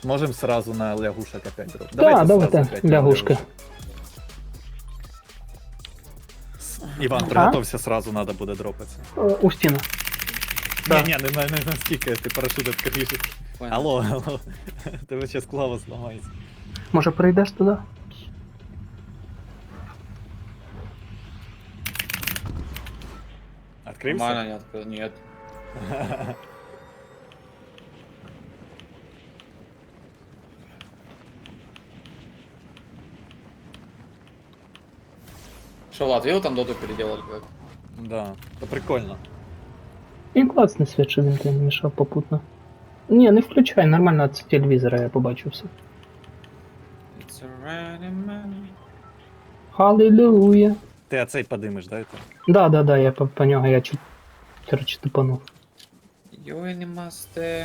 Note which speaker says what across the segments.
Speaker 1: Можем сразу на лягушек опять дроп.
Speaker 2: Да, давайте,
Speaker 1: сразу опять на
Speaker 2: лягушки.
Speaker 1: лягушек. Іван, приготовься, сразу надо буде дропатися.
Speaker 2: У стіну. Да.
Speaker 1: Ні, не настільки, ти парашют відкриєш.
Speaker 3: Понял.
Speaker 1: Алло. Тебе зараз клава зламається.
Speaker 2: Може прийдеш туди?
Speaker 1: Відкрився?
Speaker 3: Нормально не открыл, нет. Что, Влад, видел, там доту переделали как?
Speaker 1: Да, то прикольно.
Speaker 2: І класний світ, що він тебе не мішав попутно. Ні, не включай, нормально з телевізора я побачу все.
Speaker 3: It's a random man.
Speaker 2: Халилуя.
Speaker 1: Ти оцей подимеш, да? Это?
Speaker 2: Да, я по нього, я чуть, короче, тупанув.
Speaker 3: Йой, не масте.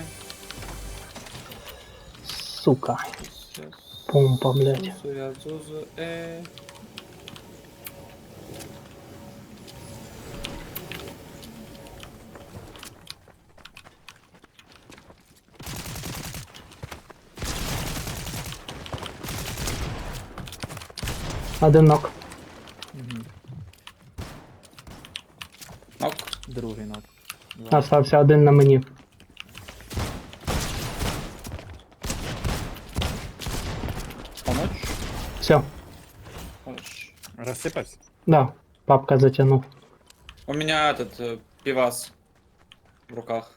Speaker 2: Сука. Помпа, блядь.
Speaker 3: Зузу,
Speaker 2: Один нок.
Speaker 3: Нок.
Speaker 1: Другий ног.
Speaker 2: Остався один на мені.
Speaker 3: Помочь?
Speaker 2: Все.
Speaker 3: Помочь.
Speaker 1: Розсипався?
Speaker 2: Да, папка затянув.
Speaker 3: У меня этот пивас в руках.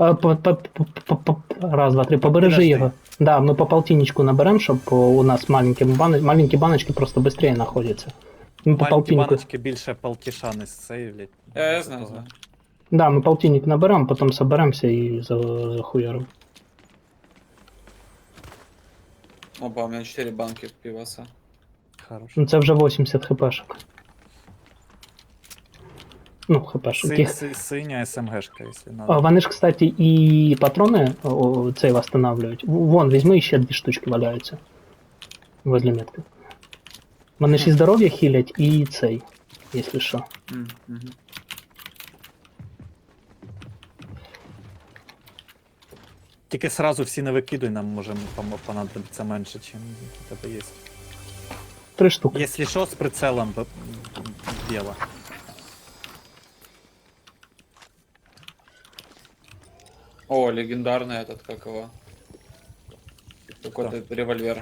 Speaker 2: Раз, два, три, побережи
Speaker 1: Подожди.
Speaker 2: його. Да, ми по полтинничку наберем, щоб у нас маленькі баночки просто быстрее знаходяться. Ми по
Speaker 1: Маленькі
Speaker 2: полтиннику.
Speaker 1: баночки більше полтіша не сейвлять.
Speaker 3: Я знаю.
Speaker 2: Да, ми полтинник наберем, потім соберемося і захуярим.
Speaker 3: Опа, у меня 4 банки пиваса.
Speaker 1: Хорошо.
Speaker 2: Ну це вже 80 хпшок. Ну, хпшок.
Speaker 1: Синя СМГшка, якщо
Speaker 2: А,
Speaker 1: надо.
Speaker 2: вони ж, кстати, і патрони цей восстанавливають. Вон, візьми, ще 2 штучки валяються. Возле метки. Вони ж і здоров'я хілять, і цей, якщо що.
Speaker 3: Мгм.
Speaker 1: Тільки сразу всі не викидуй, нам може понадобиться менше, чим у тебе є.
Speaker 2: 3 штуки.
Speaker 1: Якщо що, з прицелом біло.
Speaker 3: О, легендарный этот, как его? Какой-то револьвер.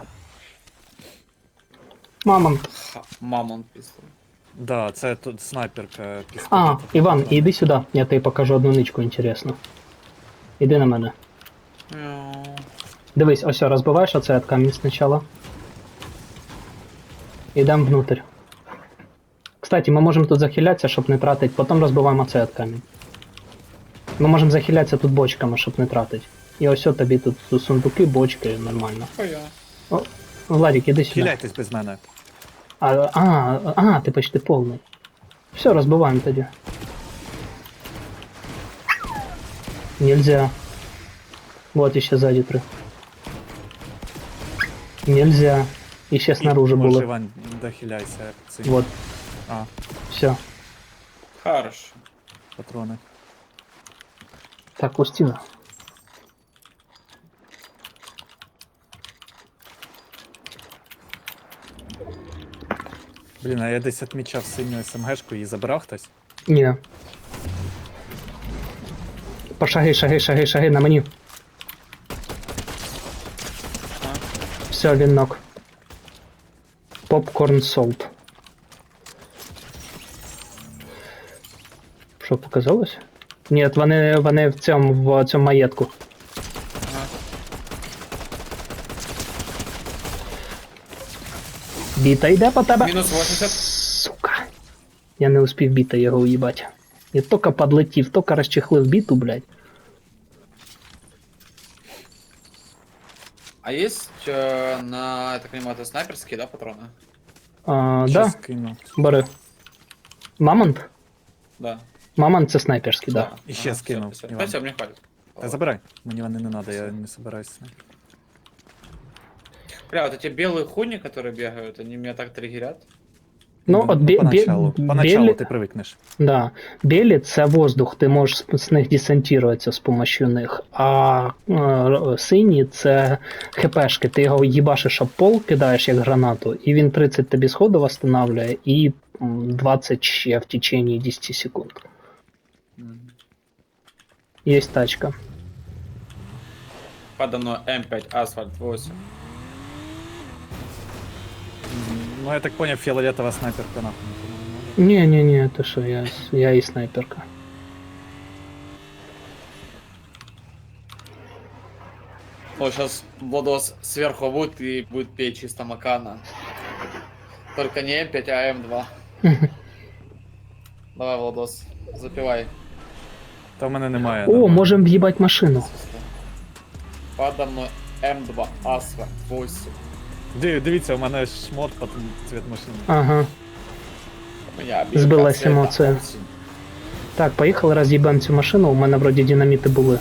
Speaker 2: Мамонт.
Speaker 3: Мамонт пистол.
Speaker 1: Да, це тут снайперка пістолет.
Speaker 2: А, Іван, іди сюди, я тобі покажу одну ничку інтересну. Іди на мене. Дивись, ось розбиваєш оце від камінь спочатку. Ідемо внутрь. Кстати, ми можемо тут захилятися, щоб не тратити, потім розбиваємо оце від камінь. Ми можемо захилятися тут бочками, щоб не тратити. І ось тобі тут сундуки, бочки, нормально.
Speaker 3: Хуя.
Speaker 2: Владик, іди сюди.
Speaker 1: Хиляйтесь без мене.
Speaker 2: Ти почти повний. Все, розбиваємо тоді. Нельзя. Вот еще сзади 3. Нельзя. Еще снаружи
Speaker 1: Може,
Speaker 2: было.
Speaker 1: Іван, дохиляйся. Цим.
Speaker 2: Вот,
Speaker 1: А,
Speaker 2: все.
Speaker 3: Хорошо.
Speaker 1: патрони.
Speaker 2: Так, Устина.
Speaker 1: Блін, а я десь відмічав синю СМГшку, її забрав хтось.
Speaker 2: Не. Шаги на мені. Все, він нок. Попкорн солт. Що показалось? Ні, вони в цьому маєтку.
Speaker 3: Ага.
Speaker 2: Біта йде по тебе.
Speaker 3: Минус 80.
Speaker 2: Сука. Я не успів біта його уїбать. Я тільки подлетів, тільки розчехлив біту, блядь.
Speaker 3: А есть на, я так понимаю, это снайперские, да, патроны?
Speaker 2: Да,
Speaker 1: Скину.
Speaker 2: бери. Мамонт?
Speaker 3: Да.
Speaker 2: Мамонт це снайперський, да.
Speaker 1: І ще скинув, Іван.
Speaker 3: Все, мне хватит.
Speaker 1: Та забирай. Мені вони не треба, я не собираюся.
Speaker 3: Бля, вот эти белые хуйни, которые бегают, они меня так триггерят.
Speaker 2: Ну, от
Speaker 1: поначалу. Поначалу
Speaker 2: білі,
Speaker 1: ти привикнеш.
Speaker 2: да, білі це воздух, ти можеш з них десантуватися з допомогою них, а сині це хпшки, ти його їбашиш об пол, кидаєш як гранату, і він 30 тобі сходу восстанавливає, і 20 ще в течение 10 секунд. Є тачка.
Speaker 3: Подо мной М5, асфальт 8.
Speaker 1: Ну, я так понял, фиолетовая снайперка нахуй. не помогла.
Speaker 2: Не-не-не, ты что, я и снайперка.
Speaker 3: Ну, сейчас Владос сверху будет и будет петь чисто Макана. Только не М5, а М2. Давай, Владос, запивай.
Speaker 1: Та в мене немає.
Speaker 2: О,
Speaker 1: нормально.
Speaker 2: можем въебать машину.
Speaker 3: Подо мной М2, асфальт 8.
Speaker 1: Дивіться, у мене шмот під цвіт машини.
Speaker 2: Ага.
Speaker 3: У меня обилка
Speaker 2: Сбилась
Speaker 3: цвета
Speaker 2: эмоция.
Speaker 3: осень.
Speaker 2: Так, поїхали, роз'їбемо цю машину, у мене вроді динаміти були.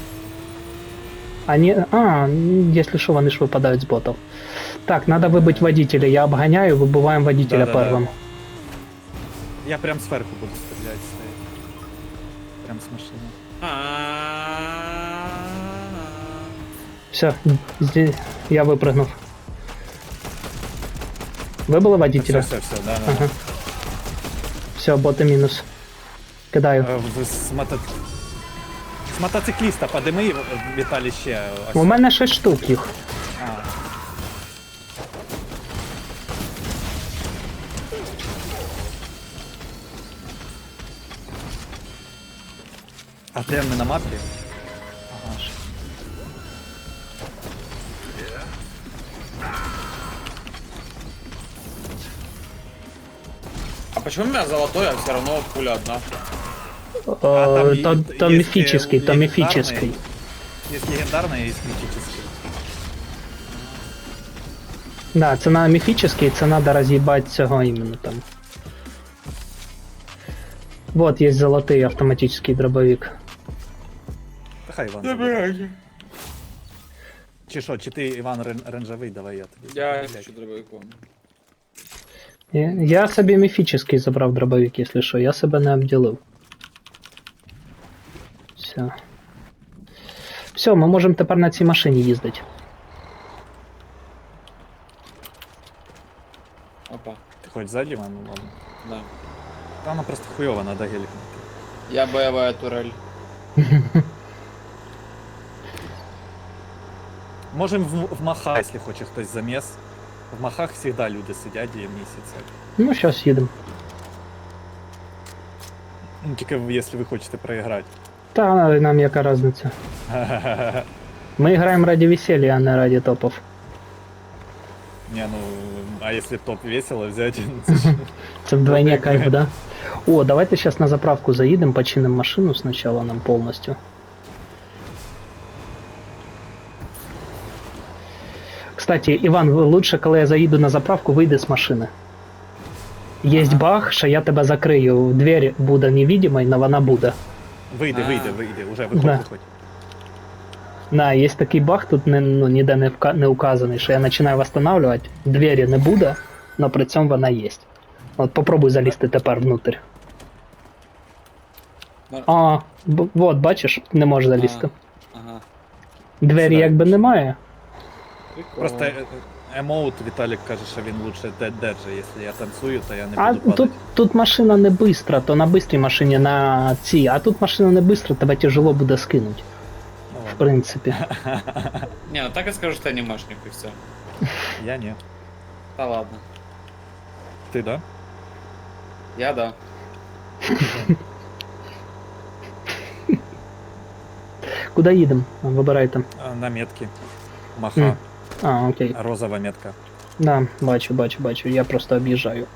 Speaker 2: Якщо що, вони ж випадають з ботів. Так, надо вибити водителя, я обганяю, вибиваємо водителя
Speaker 1: Да-да-да.
Speaker 2: первим.
Speaker 1: Я прям зверху буду стріляти стоять. Прям з машини.
Speaker 2: Все, я випрыгнув. Вибили водителя?
Speaker 1: Все, да.
Speaker 2: Ага. Все, боти мінус. Кидаю.
Speaker 1: З мотоцикліста подими, Віталій, ще. Ось.
Speaker 2: У мене 6 штук їх.
Speaker 1: А. А де ми на мапі? Ага. ж.
Speaker 3: А почему у меня золотой, а все равно пуля одна?
Speaker 1: там
Speaker 2: Там
Speaker 1: є
Speaker 2: міфічний, там
Speaker 1: легендарний.
Speaker 2: міфічний.
Speaker 1: Есть легендарный, есть мифический.
Speaker 2: Да, це на міфічний, це надо роз'їбати цього іменно там. Вот є золотий автоматичний дробовик.
Speaker 1: Та хай Іван. забере. Чи що, чи ти, Іван, ренжовий, давай я тобі.
Speaker 3: Я
Speaker 1: Блядь.
Speaker 3: хочу дробовиком.
Speaker 2: Я собі міфічний забрав дробовик, якщо що, я себе не обділив. Все. Все, ми можемо тепер на цій машині їздити.
Speaker 3: Опа,
Speaker 1: Ти хоч ззаді, Іван, ну ладно.
Speaker 3: да.
Speaker 1: Та вона просто хуйова, надо гелік.
Speaker 3: Я боевая турель.
Speaker 1: Можем в Махах, якщо хоче хтось заміс. В Махах завжди люди сидять і місяця.
Speaker 2: Ну, зараз їдемо.
Speaker 1: Ну, тільки якщо ви хочете проіграти.
Speaker 2: Та нам яка різниця. Ми граємо раді весілля, а не раді топів.
Speaker 1: Не, ну, а если топ весело взять, це ж-
Speaker 2: Це вдвойне кайф, да? О, давайте сейчас на заправку заедем, починим машину сначала нам полностью. Кстати, Иван, лучше, коли я заїду на заправку, вийди з машини. Є баг, що я тебе закрию, двері буде невидимой, но вона буде.
Speaker 1: вийди,
Speaker 3: А.
Speaker 1: вийди, уже виходь,
Speaker 2: Да.
Speaker 1: виходь.
Speaker 2: Да, є такий баг, тут ніде не указаний, що я починаю восстанавливать, двері не буде, но при цьому вона є. От попробуй залізти тепер внутрь. Вот, бачиш, не можеш залізти.
Speaker 3: Ага.
Speaker 2: Двері
Speaker 1: Сюди.
Speaker 2: якби немає.
Speaker 3: Прикольно.
Speaker 1: Просто емоут Віталік каже, що він лучше держить, якщо я танцюю, то я не
Speaker 2: А
Speaker 1: буду падати.
Speaker 2: тут машина не бистра, то на бистрій машині на цій, а тут машина не бистра, тебе тяжело буде скинути.
Speaker 1: Ну,
Speaker 2: В
Speaker 1: ладно.
Speaker 2: принципі.
Speaker 3: Не, ну так и скажу, что анимешник и все.
Speaker 1: Я ні.
Speaker 3: Да ладно.
Speaker 1: Ти, да?
Speaker 3: Я да.
Speaker 2: Куди їдемо? Вибирайте.
Speaker 1: На метки. Маха.
Speaker 2: М. А, окей.
Speaker 1: Розова метка.
Speaker 2: Да, бачу. Я просто об'їжджаю.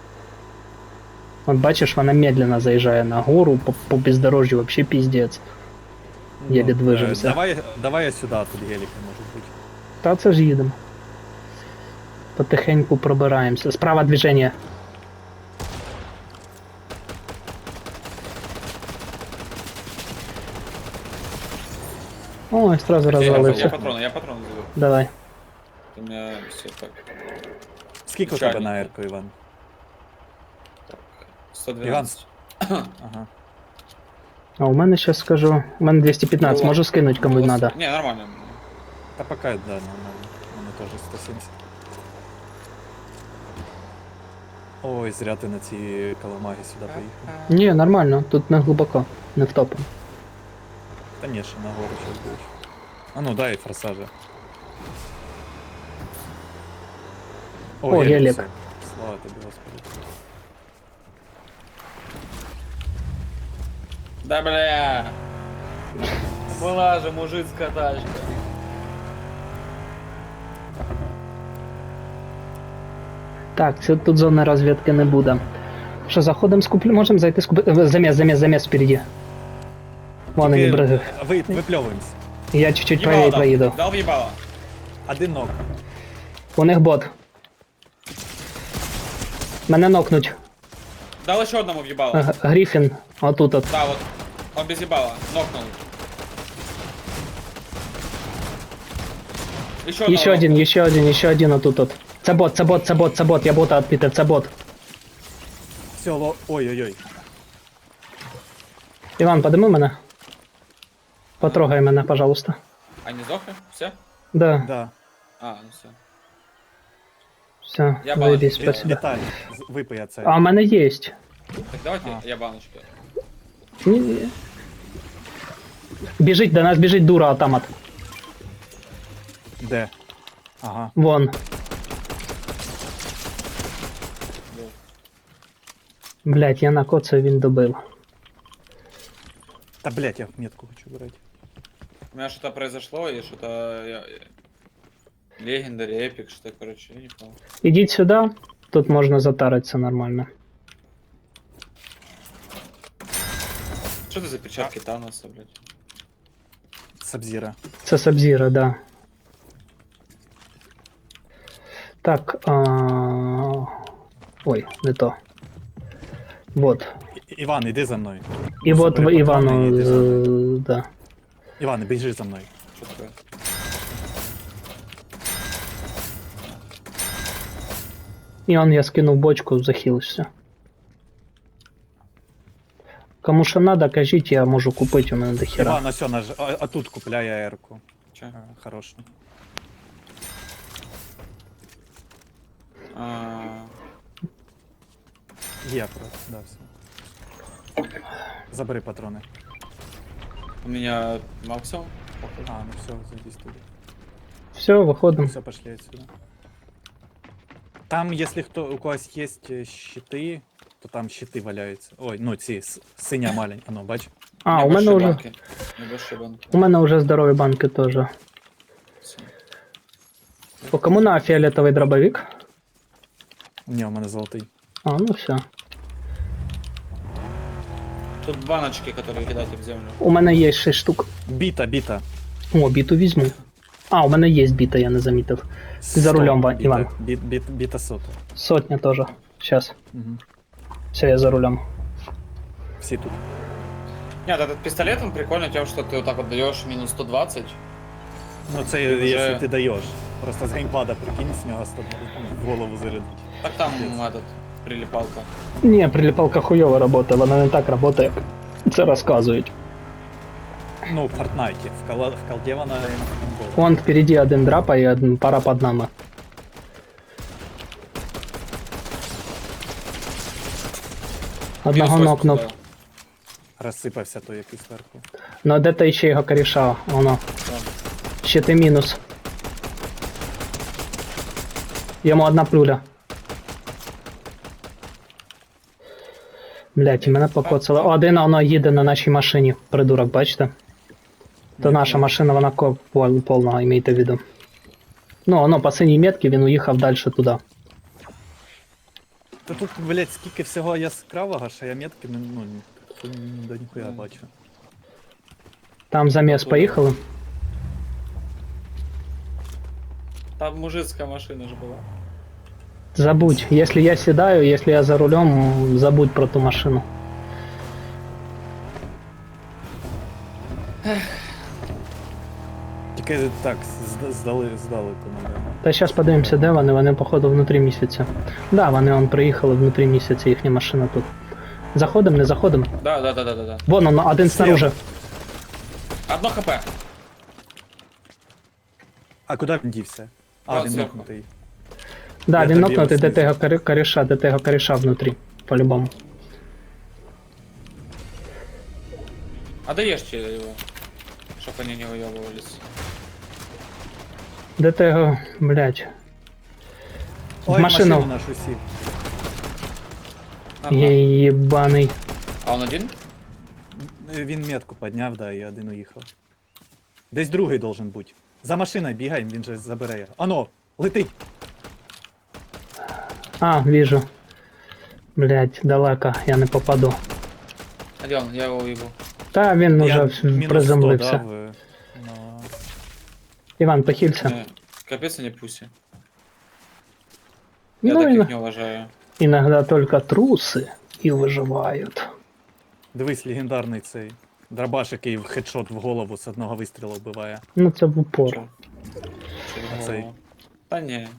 Speaker 2: От бачиш, вона медленно заїжджає на гору, по бездорожжю вообще піздець. Єлі движемося.
Speaker 1: Давай я сюди, тут геліки можуть бути.
Speaker 2: Та це ж їдемо. Потихеньку пробираємося. Справа движення. Ой, сразу
Speaker 3: Я
Speaker 2: розвалився.
Speaker 3: патроны забыл.
Speaker 2: Давай.
Speaker 3: У меня все так.
Speaker 1: Скільки у тебе
Speaker 3: Печально.
Speaker 1: на ерку, Іван?
Speaker 3: 112.
Speaker 1: Ага.
Speaker 2: А у мене сейчас скажу. У мене 215,
Speaker 3: Было-
Speaker 2: можу скинуть кому
Speaker 3: было-
Speaker 2: надо.
Speaker 3: Не, нормально.
Speaker 1: Та пока, да, нормально. У мене теж 170. Ой, зря ти на ці каламаги сюди поїхав.
Speaker 2: Ні, нормально, тут не глибоко, не втопимо.
Speaker 1: Та ні, ще нагору щось будеш. А ну дай форсажа.
Speaker 2: О, гелік.
Speaker 1: все. Слава тобі, Господи.
Speaker 3: Да бля. Была же мужицкая тачка.
Speaker 2: Так, це тут зони розвідки не буде. Що, заходимо скуплю? Можемо зайти скуплю. Заміс впереді. Вон вони бриги.
Speaker 1: Випльовуємось.
Speaker 2: Я чуть-чуть
Speaker 3: Ебало
Speaker 2: правее
Speaker 3: дал.
Speaker 2: проїду.
Speaker 3: Дал въебало.
Speaker 1: Один ног.
Speaker 2: У них бот. Мене нокнуть.
Speaker 3: Дал еще одному въебало.
Speaker 2: Гріфін, отут от.
Speaker 3: Да, вот. Он без ебала. Нокнул.
Speaker 2: Ще один отут от. Це бот, я бота відпітив, це бот.
Speaker 1: Все, ой-ой-ой.
Speaker 2: Іван, подими мене. Потрогай мене, пожалуйста.
Speaker 3: Они сдохли? Все?
Speaker 2: Да,
Speaker 1: Да.
Speaker 3: А, ну все.
Speaker 2: все,
Speaker 3: Я
Speaker 2: заебись,
Speaker 3: бачу.
Speaker 2: спасибо.
Speaker 1: Віталій, випий це.
Speaker 2: А у мене є.
Speaker 3: Так давайте я баночки.
Speaker 2: Ні. Біжить, до нас біжить дура автомат.
Speaker 1: Де? Ага.
Speaker 2: Вон. Блять, я накоцаю, він добив.
Speaker 1: Та блять, я метку хочу брати.
Speaker 3: У меня что-то произошло, и что-то... Легендари, эпик, что-то, короче, я не понял.
Speaker 2: Ідіть сюди, тут можна затаритися нормально.
Speaker 3: Что это за перчатки Таноса, блядь?
Speaker 1: Сабзіра.
Speaker 2: Це Сабзіра, да. Так, ой, не то. Вот.
Speaker 1: Іван, іди за мною.
Speaker 2: І от
Speaker 1: Собери патрони і
Speaker 2: Івану,
Speaker 1: йди за мною.
Speaker 2: да.
Speaker 1: Іван, біжи за мною.
Speaker 3: Что такое?
Speaker 2: І он я скинув бочку, захилився. Кому що надо, кажіть, я можу купити, у мене дохера.
Speaker 1: Іван, ось а тут купляє аерку.
Speaker 3: Че?
Speaker 1: Хорошу. Є, просто, да, все. Забери патрони.
Speaker 3: У меня максимум.
Speaker 1: А, ну все, зайди туди.
Speaker 2: Все, виходимо.
Speaker 1: Все, пошли отсюда. Там, если у когось есть щиты, то там щиты валяются. Ой, ну ці, синя маленька, ну бач.
Speaker 2: А, у мене вже.
Speaker 3: Небольшие банки.
Speaker 2: У мене вже здорові банки теж.
Speaker 3: Всё.
Speaker 2: По кому на фіолетовий дробовик?
Speaker 1: Ні, у мене золотий.
Speaker 2: А, ну все.
Speaker 3: Тут баночки, которые кидайте в землю.
Speaker 2: У мене є 6 штук.
Speaker 1: Біта.
Speaker 2: О, біту візьму. А, у мене є біта, я не замітив. Ти за рулем,
Speaker 1: Біта.
Speaker 2: Іван.
Speaker 1: Біта сота.
Speaker 2: Сотня теж. Сейчас.
Speaker 1: Угу.
Speaker 2: Все, я за рулем.
Speaker 1: Всі тут.
Speaker 3: Нет, этот пистолет, он прикольный тем, что ты вот так вот даешь минус 120.
Speaker 1: Ну це
Speaker 3: Ти вже-
Speaker 1: якщо ти даєш. Просто з геймпада прикинь, з нього 100 в голову зарядить.
Speaker 3: Так там этот, прилипалка.
Speaker 2: Ні, приліпалка хуйово працює, вона не так працює, як це розказують.
Speaker 1: Ну, в Фортнайті. В колде вона геймпада.
Speaker 2: Вон впереді один драпа і пара під нами. Одного
Speaker 3: Минус 80
Speaker 2: нокнув.
Speaker 3: дал.
Speaker 1: Розсипався той якийсь зверху.
Speaker 2: Ну де то ще його коріша, воно. Ще ти мінус. Йому одна плюля. Блять, і мене покоцало. Один воно їде на нашій машині, придурок, бачите? То наша машина, вона повна, имейте в виду. Ну, воно по синій метці, він уїхав далі туди.
Speaker 1: Та тут, блять, скільки всього яскравого, що я метки до ніхуя бачу.
Speaker 2: Там заміс поїхали.
Speaker 3: Там мужицкая машина же была.
Speaker 2: Забудь, если я седаю, если я за рулем, забудь про ту машину.
Speaker 1: Тільки так, здалеку, наверное.
Speaker 2: Та зараз подивимося, де вони, вони походу внутрі місяця. Да, вони приїхали внутрі місяця, їхня машина тут. Заходимо, не заходимо.
Speaker 3: Да.
Speaker 2: Вон он, один снаружи.
Speaker 3: Одно хп.
Speaker 1: А куди він дівся? А,
Speaker 3: От
Speaker 1: він
Speaker 3: зверху.
Speaker 1: нокнутий.
Speaker 2: Да,
Speaker 1: Я
Speaker 2: він
Speaker 1: тобі
Speaker 2: нокнутий,
Speaker 1: його
Speaker 2: де того коріша, де того коріша внутрі. По-любому.
Speaker 3: А доешьте его, чтобы они не выебывались.
Speaker 2: Де того, блядь.
Speaker 1: Ой,
Speaker 2: машину.
Speaker 1: нашу сів.
Speaker 3: Нормально.
Speaker 2: Єбаний.
Speaker 3: А он один?
Speaker 1: Він метку підняв, да, і один уїхав. Десь другий должен бути. За машиною бігай, він же забере його. Ано, летить!
Speaker 2: А, вижу. Блядь, далеко, я не попаду.
Speaker 3: А где он? Я его уебу.
Speaker 2: Та він
Speaker 1: Я
Speaker 2: уже
Speaker 1: мінус 100
Speaker 2: приземлився.
Speaker 1: дав, но...
Speaker 2: Іван, похилься.
Speaker 3: Не, капец они пуси. Я
Speaker 2: Ну,
Speaker 3: таких не уважаю.
Speaker 2: иногда только трусы и выживают.
Speaker 1: Дивись, легендарний цей. Дробаш, який в хедшот в голову з одного вистрілу вбиває.
Speaker 2: Ну, це в упор.
Speaker 3: Чё?
Speaker 1: А цей?
Speaker 3: Да не.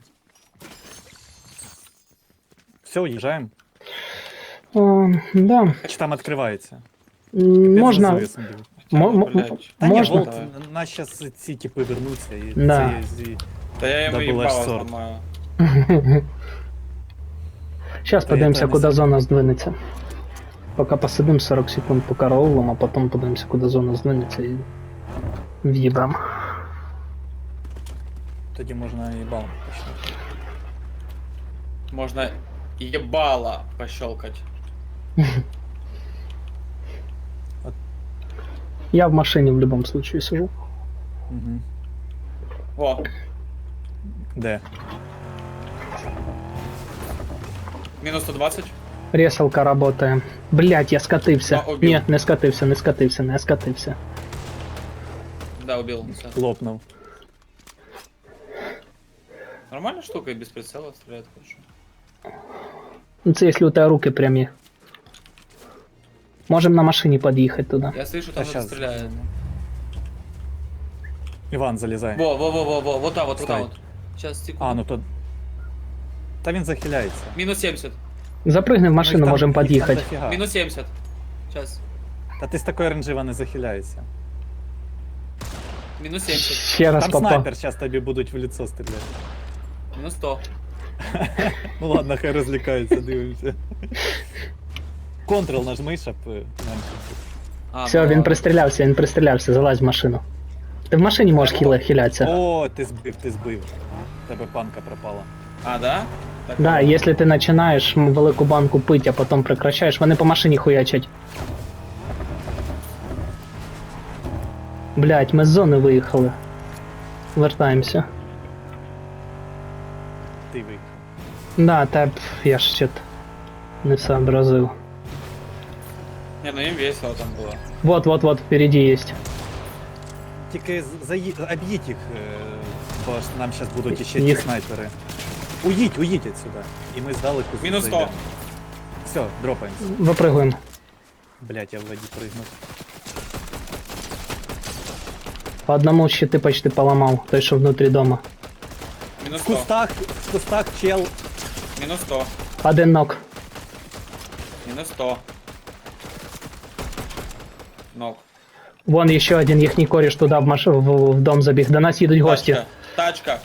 Speaker 1: Все, уїжджаємо.
Speaker 2: О, да.
Speaker 1: Чи там відкривається?
Speaker 2: Можна.
Speaker 1: Без завісу бігу.
Speaker 3: Блядь.
Speaker 1: Та ні,
Speaker 2: Можна?
Speaker 1: Волт, нас зараз ці типи вернуться і
Speaker 2: Да.
Speaker 1: це зі...
Speaker 3: Да я ему
Speaker 1: Да был аж
Speaker 3: ебало
Speaker 1: сорт.
Speaker 3: сломаю.
Speaker 2: Сейчас
Speaker 1: Та
Speaker 2: подивимося,
Speaker 1: я не
Speaker 2: куди
Speaker 1: знаю.
Speaker 2: зона здвинеться. Поки посидим 40 секунд по караулам, а потім подивимося, куди зона здвинеться і в'їбам.
Speaker 1: Тоді можна і балом почати.
Speaker 3: Можно ебало пощелкать.
Speaker 2: Я в машині в будь-якому случае сижу.
Speaker 1: Угу.
Speaker 3: Во,
Speaker 1: Де?
Speaker 3: минус 120.
Speaker 2: Ресалка работає. Блять, я скатився.
Speaker 3: А, убив.
Speaker 2: Ні, не скатився, не скатився, не скатився.
Speaker 3: Да, убил. Всё.
Speaker 1: Лопнув.
Speaker 3: Нормальная штука и без прицела стреляет хорошо.
Speaker 2: Ну це якщо у тебе руки прямі. Можем на машині під'їхати туди.
Speaker 3: Я слышу,
Speaker 1: Та
Speaker 3: там кто-то
Speaker 1: щас.
Speaker 3: стреляет.
Speaker 1: Іван, залізай.
Speaker 3: Во, вот там вот, вот там
Speaker 1: Стой.
Speaker 3: вот. Сейчас, секунду.
Speaker 1: А, ну то... Та він захиляється.
Speaker 3: Минус 70.
Speaker 2: Запригни в машину,
Speaker 1: Ну, їх
Speaker 2: можемо
Speaker 1: їх
Speaker 2: під'їхати.
Speaker 1: дофіга.
Speaker 3: Минус 70. Сейчас.
Speaker 1: Та ти з такої ренжива не захиляєшся.
Speaker 3: Минус 70.
Speaker 2: Ще раз
Speaker 1: Там
Speaker 2: попав.
Speaker 1: снайпер, зараз тобі будуть в лицо стріляти.
Speaker 3: Минус 100.
Speaker 1: Ну ладно, хай розлікаються, дивимося. Контрол нажми, щоб менше.
Speaker 3: А,
Speaker 2: Все,
Speaker 3: ну
Speaker 2: він
Speaker 3: ладно.
Speaker 2: пристрілявся, залазь в машину. Ти в машині можеш хилятися.
Speaker 1: О, ти збив. В тебе панка пропала.
Speaker 3: А, да? Так,
Speaker 2: Да,
Speaker 3: ладно.
Speaker 2: якщо ти починаєш велику банку пити, а потім прекращаєш, вони по машині хуячать. Блять, ми з зони виїхали. Вертаємося.
Speaker 1: Ти виїхав.
Speaker 2: Да, та я ж ще не сообразив.
Speaker 3: Не, ну им весело там было.
Speaker 2: Вот, впереди есть.
Speaker 1: Тільки об'їдь їх, бо ж нам зараз будуть ще ті
Speaker 2: Їх.
Speaker 1: снайпери. Уїдь отсюда. І ми здалеку
Speaker 3: Мінус 100.
Speaker 1: зайдемо. Все, дропаємося.
Speaker 2: Випригуємо.
Speaker 1: Блять, я в воді пригнув.
Speaker 2: По одному щити почти поламав, той, що внутрі дома.
Speaker 3: Минус
Speaker 1: В
Speaker 3: 100.
Speaker 1: кустах чел.
Speaker 3: Минус 100.
Speaker 2: Один нок.
Speaker 3: Минус 100. Ног.
Speaker 2: Вон ще один їхній коріш туди в дом забіг. До нас їдуть гості.
Speaker 3: Тачка.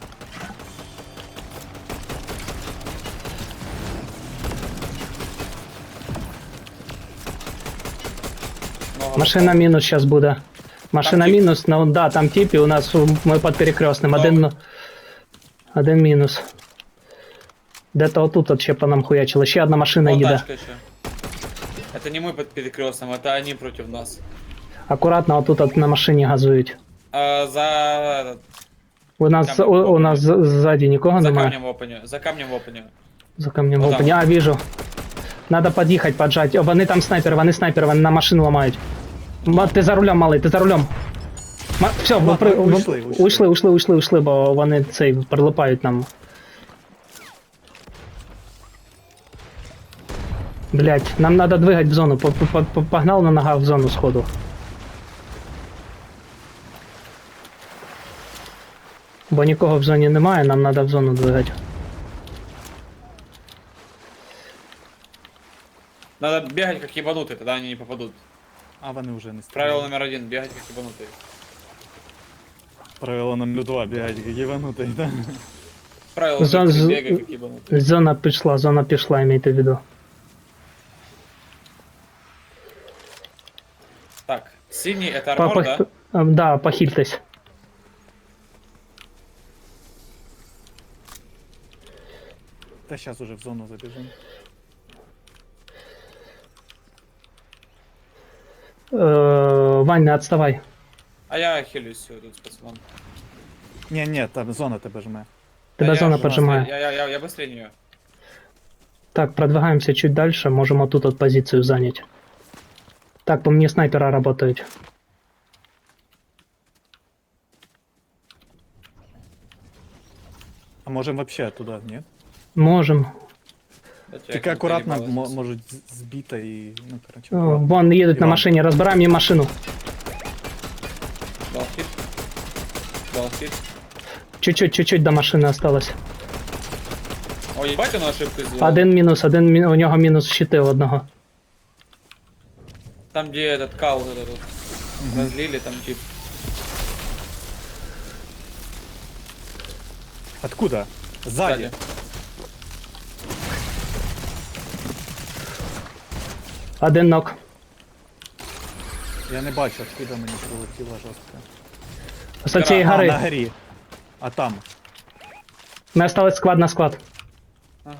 Speaker 3: Много
Speaker 2: Машина
Speaker 3: попало.
Speaker 2: мінус зараз буде. Машина
Speaker 3: Там тип.
Speaker 2: мінус, ну да, там тип, і у нас ми під перекрестним.
Speaker 3: Добре.
Speaker 2: Один мінус. Де-то отут от ще по нам хуячило. Ще одна машина
Speaker 3: Вон
Speaker 2: їде.
Speaker 3: тачка еще. Это не мы под перекрестным, это они против нас.
Speaker 2: Акуратно отут от на машині газують.
Speaker 3: А, за этот,
Speaker 2: У нас,
Speaker 3: Камінь
Speaker 2: у нас ззаді нікого
Speaker 3: за
Speaker 2: немає.
Speaker 3: камнем в опене. За камнем в опене.
Speaker 2: За камнем в
Speaker 3: Отам.
Speaker 2: опені. А, вижу. Надо під'їхати, поджати. О, вони там снайпер, вони на машину ламають. Ти за рулем, малий, ти за рулем. Все,
Speaker 1: Ладно, уйшли.
Speaker 2: ушли, бо вони цей прилипають нам. Блять, нам надо двигать в зону. Погнал на нога в зону сходу. Бо нікого в зоні немає, нам надо в зону двигати.
Speaker 3: Надо бегать как ебанутый, тогда они не попадут.
Speaker 1: А вони вже не
Speaker 3: Правило
Speaker 1: стріляють.
Speaker 3: номер 1, бегать как ебанутый.
Speaker 1: Правило номер 2, бігать, гіванутий, да?
Speaker 3: Правило
Speaker 2: За-
Speaker 3: номер 3,
Speaker 2: з-
Speaker 3: бегай как ебанутый.
Speaker 2: Зона пішла, имейте в виду.
Speaker 3: Так, синий это армор, да?
Speaker 2: Да, похильтесь.
Speaker 1: Та зараз уже в зону забіжимо.
Speaker 2: Вань, не отставай.
Speaker 3: А я хилюсь тут с пацаном.
Speaker 1: Ні, там зона тебе жме.
Speaker 2: Тебя
Speaker 3: Да
Speaker 2: зона
Speaker 3: я-
Speaker 2: поджимает.
Speaker 3: Я быстрее нее.
Speaker 2: Так, продвигаемся чуть дальше, можем вот тут вот позицию занять. Так, по мне снайпера работают.
Speaker 1: А можемо вообще туди, ні?
Speaker 2: Можем.
Speaker 1: Тільки акуратно можуть збити і, ну, короче.
Speaker 2: О, вон едут на
Speaker 1: Иван.
Speaker 2: машине, разбираем им машину.
Speaker 3: Дал хит. Дал хит.
Speaker 2: Чуть-чуть до машины осталось.
Speaker 3: О, ебать он ошибку сделал.
Speaker 2: Один мінус, у нього мінус щити у одного.
Speaker 3: Там где этот кал вот этот разлили, там тип.
Speaker 1: Откуда? Ззаді.
Speaker 3: Сзади.
Speaker 2: Один нок.
Speaker 1: Я не бачу, откуда мені прилетіло жорстко.
Speaker 2: З цієї
Speaker 1: А, на
Speaker 2: гори.
Speaker 1: горі. А там.
Speaker 2: Ми осталось склад на склад.
Speaker 3: Ага.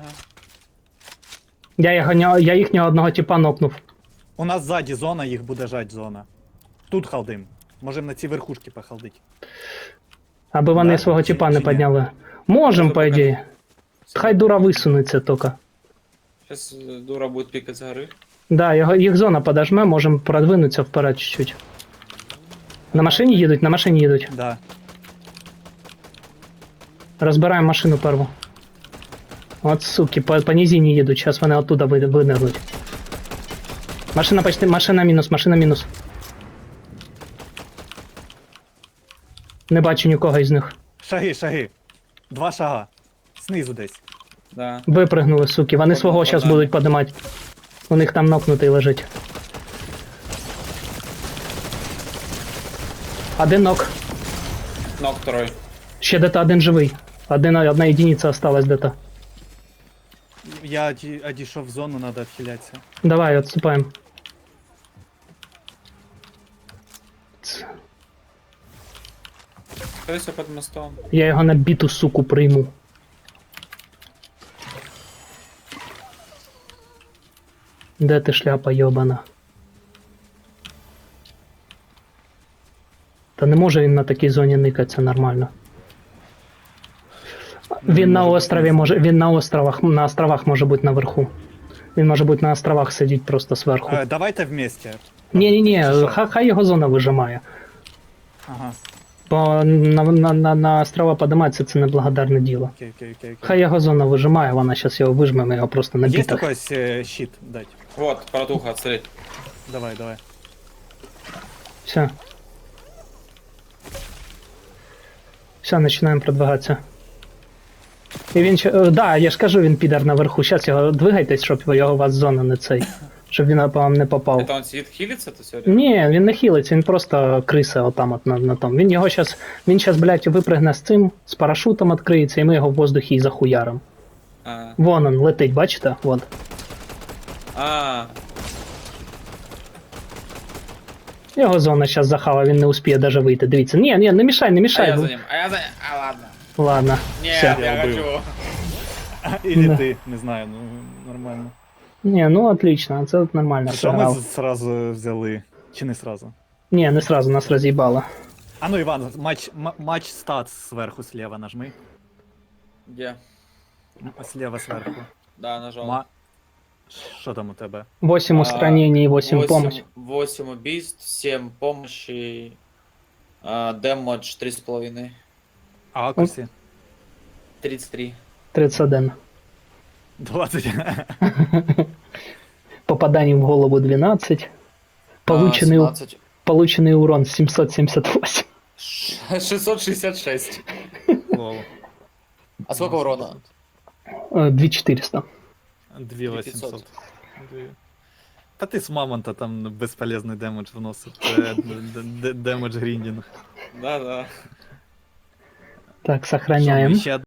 Speaker 2: Я їхнього одного типа нокнув.
Speaker 1: У нас ззаді зона, їх буде жать зона. Тут халдим. Можемо на ці верхушки похалдить.
Speaker 2: Аби вони
Speaker 1: Да?
Speaker 2: свого
Speaker 1: Чи-
Speaker 2: типа
Speaker 1: чи
Speaker 2: не
Speaker 1: ні?
Speaker 2: підняли. Можем,
Speaker 3: Ну,
Speaker 2: по
Speaker 3: пока-
Speaker 2: ідеї. Хай дура висунеться тільки.
Speaker 3: Сейчас дура будет пикать с горы.
Speaker 2: Да, їх зона подожме, можем продвинутися вперед чуть-чуть. На машині їдуть.
Speaker 1: Да.
Speaker 2: Розбираємо машину перву. От суки, по низині їдуть, зараз вони оттуда винирнуть. Машина мінус. Не бачу нікого із них.
Speaker 1: Шаги. 2 шага. Знизу десь.
Speaker 3: Да.
Speaker 2: Випригнули, суки, вони свого зараз
Speaker 3: Ладно.
Speaker 2: будуть подимати. У них там нокнутий лежить. Один нок.
Speaker 3: Ног второй.
Speaker 2: Ще де-то один живий. Одна єдиниця осталась де-то.
Speaker 1: Я одійшов в зону, треба відхилятися.
Speaker 2: Давай, отступаем.
Speaker 3: Скорее под мостом.
Speaker 2: Я його на біту, суку, прийму. Де ти, шляпа йобана? Та не може він на такій зоні никатися нормально. Він на острові може. Він на островах може бути наверху. Він може бути на островах сидіть просто зверху.
Speaker 1: Давайте вместе.
Speaker 2: Ні,
Speaker 1: що?
Speaker 2: хай його зона вижимає.
Speaker 1: Ага.
Speaker 2: Бо на острова подиматися це неблагодарне діло.
Speaker 1: Окей.
Speaker 2: Хай його зона вижимає, вона зараз його вижме, ми його просто на
Speaker 1: Є
Speaker 2: бітах.
Speaker 1: якийсь щит дать?
Speaker 3: Вот, протуха, отстрелить.
Speaker 1: Давай.
Speaker 2: Все. Все, починаємо продвигатися. І він да, я ж кажу, він підар наверху. Зараз його двигайтесь, щоб його у вас зона не цей. Щоб він по вам не попав.
Speaker 3: Это он сидит хилится, то все?
Speaker 2: Ні, він не хилиться, він просто криса отам от на тому. Він щас, блядь, випригне з цим, з парашутом відкриється, і ми його в воздухі і захуярим.
Speaker 3: А.
Speaker 2: Вон он летить, бачите? Вон.
Speaker 3: А.
Speaker 2: Його зона зараз захава, він не успіє даже вийти. Дивіться. Ні, не мішай, не
Speaker 3: А
Speaker 2: мішай.
Speaker 3: я за ним. А ладно.
Speaker 2: Ладно.
Speaker 3: Нет,
Speaker 2: Все.
Speaker 3: я
Speaker 1: Я убил.
Speaker 3: хочу.
Speaker 1: Или
Speaker 2: Да.
Speaker 1: ти, не знаю, ну нормально.
Speaker 2: Ні, ну отлично, це от нормально
Speaker 1: Що ми
Speaker 2: сыграл.
Speaker 1: зразу взяли? Чи не сразу?
Speaker 2: Ні, не сразу, нас роз'їбало.
Speaker 1: А ну Іван, матч стат зверху слева нажми.
Speaker 3: Где?
Speaker 1: Слева зверху.
Speaker 3: Да, нажал.
Speaker 1: Що там у тебе?
Speaker 2: 8 устранений, 8 помощь.
Speaker 3: 8 убийств, 7 помощи, дэмэдж 3,5.
Speaker 1: А акусі?
Speaker 3: 33.
Speaker 2: 31.
Speaker 1: 20.
Speaker 2: Попаданий в голову 12. Полученный урон 778.
Speaker 3: 666.
Speaker 1: Лол.
Speaker 3: А сколько урона?
Speaker 2: 2400.
Speaker 1: 2800. Та ти з мамонта там безполезний демедж вносив. Це демедж гріндінг.
Speaker 3: Да-да.
Speaker 2: Так,
Speaker 1: Що, ми
Speaker 2: сохраняем.
Speaker 1: ще